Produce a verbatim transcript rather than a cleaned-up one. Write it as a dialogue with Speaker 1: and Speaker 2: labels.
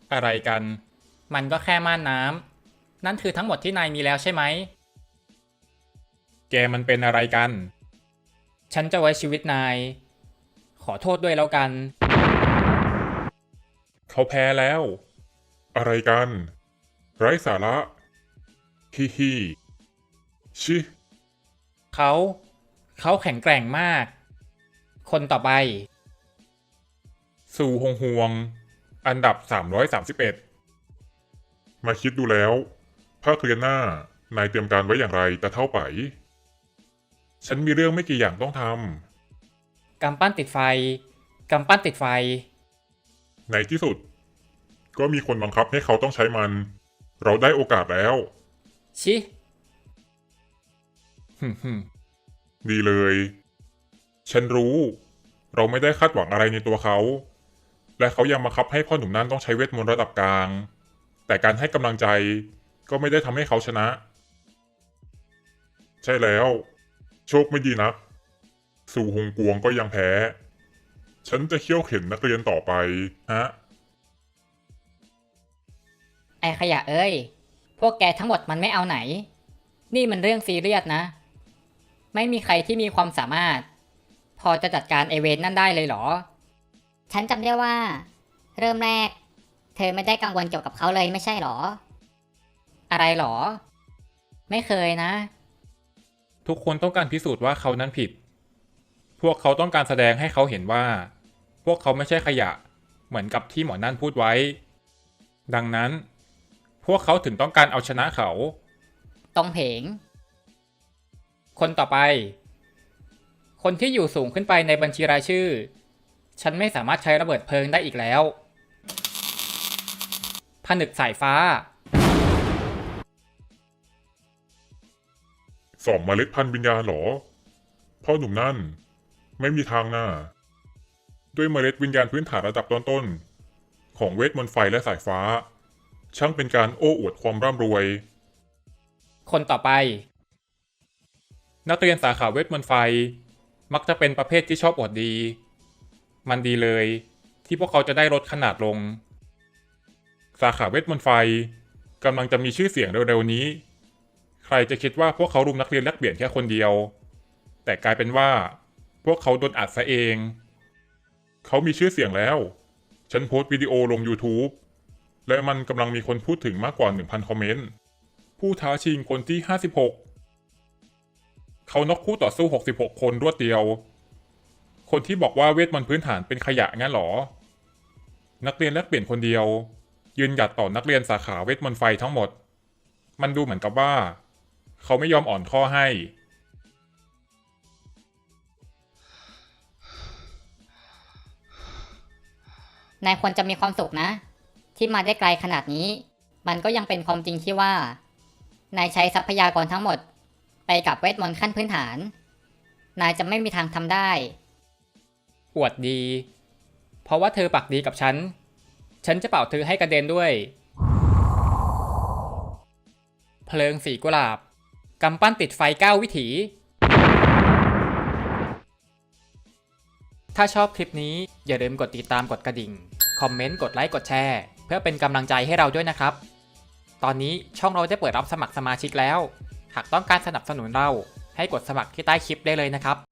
Speaker 1: อะไรกัน มันก็แค่ม่านน้ำนั่นคือทั้งหมดที่นายมีแล้วใช่ไหม แกมันเป็นอะไรกัน ฉันจะไว้ชีวิตนาย ขอโทษด้วยแล้วกัน
Speaker 2: เขาแพ้แล้ว อะไรกัน ไร้สาระ ฮิฮิชิ
Speaker 1: เขา เขาแข็งแกร่งมาก คนต่อไป
Speaker 2: ซูฮงฮวง อันดับ สามร้อยสามสิบเอ็ด มาคิดดูแล้ว ภาคเรียนหน้า นายเตรียมการไว้อย่างไรแต่เท่าไป ฉันมีเรื่องไม่กี่อย่างต้องท
Speaker 1: กำปั้นติดไฟ กำปั้นติดไฟ
Speaker 2: ำ ในที่สุด ก็มีคนบังคับให้เขาต้องใช้มัน เราได้โอกาสแล้ว
Speaker 1: ชิ
Speaker 2: ฮึมฮึมดีเลย ฉันรู้ เราไม่ได้คาดหวังอะไรในตัวเขา และเขายังบังคับให้พ่อหนุ่มนั้นต้องใช้เวทมนต์ระดับกลาง แต่การให้กำลังใจก็ไม่ได้ทำให้เขาชนะ ใช่แล้ว โชคไม่ดีนัก สู่ฮงกวงก็ยังแพ้ ฉันจะเคี่ยวเข็นนักเรียนต่อไป ฮะ
Speaker 3: ไอ้ขยะเอ้ย พวกแกทั้งหมดมันไม่เอาไหน นี่มันเรื่องซีเรียสนะ ไม่มีใครที่มีความสามารถ พอจะจัดการไอเวนนั่นได้เลยเหรอ
Speaker 4: ฉันจำได้ว่า เริ่มแรก เธอไม่ได้กังวลเกี่ยวกับเขาเลยไม่ใช่หรอ
Speaker 3: อะไรหรอ ไม่เคยนะ
Speaker 1: ทุกคนต้องการพิสูจน์ว่าเขานั้นผิด พวกเขาต้องการแสดงให้เขาเห็นว่า พวกเขาไม่ใช่ขยะ เหมือนกับที่หมอนั่นพูดไว้ ดังนั้น พวกเขาถึงต้องการเอาชนะเขา
Speaker 3: ตรงเพง
Speaker 1: คนต่อไป คนที่อยู่สูงขึ้นไปในบัญชีรายชื่อ ฉันไม่สามารถใช้ระเบิดเพลิงได้อีกแล้ว ผนึกสายฟ้า
Speaker 2: สอบเมล็ดพันธุ์วิญญาณเหรอ พ่อหนุ่มนั่น ไม่มีทางหน้า ด้วยเมล็ดวิญญาณพื้นฐานระดับต้นๆของเวทมนต์ไฟและสายฟ้า ช่างเป็นการโอ้อวดความร่ำรวย
Speaker 1: คนต่อไป นักเรียนสาขาเวทมนต์ไฟ มักจะเป็นประเภทที่ชอบอวดดี มันดีเลยที่พวกเขาจะได้ลดขนาดลง สาขาเวทมนต์ไฟกำลังจะมีชื่อเสียงเร็วๆนี้ ใครจะคิดว่าพวกเขารุมนักเรียนแลกเปลี่ยนแค่คนเดียว แต่กลายเป็นว่า พวกเขาโดนอัดซะเอง เขามีชื่อเสียงแล้ว ฉันโพสต์วิดีโอลง YouTube และมันกำลังมีคนพูดถึงมากกว่า หนึ่งพัน คอมเมนต์ ผู้ท้าชิงคนที่ ห้าสิบหก เขาน็อกคู่ต่อสู้ หกสิบหก คนรวดเดียว คนที่บอกว่าเวทมนต์พื้นฐานเป็นขยะงั้นหรอ นักเรียนแลกเปลี่ยนคนเดียว ยืนหยัดต่อนักเรียนสาขาเวทมนต์ไฟทั้งหมด มันดูเหมือนกับว่า เขาไม่ยอมอ่อนข้อให้
Speaker 3: นายควรจะมีความสุขนะ ที่มาได้ไกลขนาดนี้ มันก็ยังเป็นความจริงที่ว่า นายใช้ทรัพยากรทั้งหมด ไปกับเวทมนต์ขั้นพื้นฐาน นายจะไม่มีทางทำได้
Speaker 1: อวดดี เพราะว่าเธอปักดีกับฉัน ฉันจะเป่าเธอให้กระเด็นด้วย เพลิงสีกุหลาบ กำปั้นติดไฟเก้าวิถี ถ้าชอบคลิปนี้อย่าลืมกดติดตามกดกระดิ่ง คอมเมนต์ กดไลค์ กดแชร์ เพื่อเป็นกำลังใจให้เราด้วยนะครับ ตอนนี้ช่องเราได้เปิดรับสมัครสมาชิกแล้ว หากต้องการสนับสนุนเราให้กดสมัครที่ใต้คลิปได้เลยนะครับ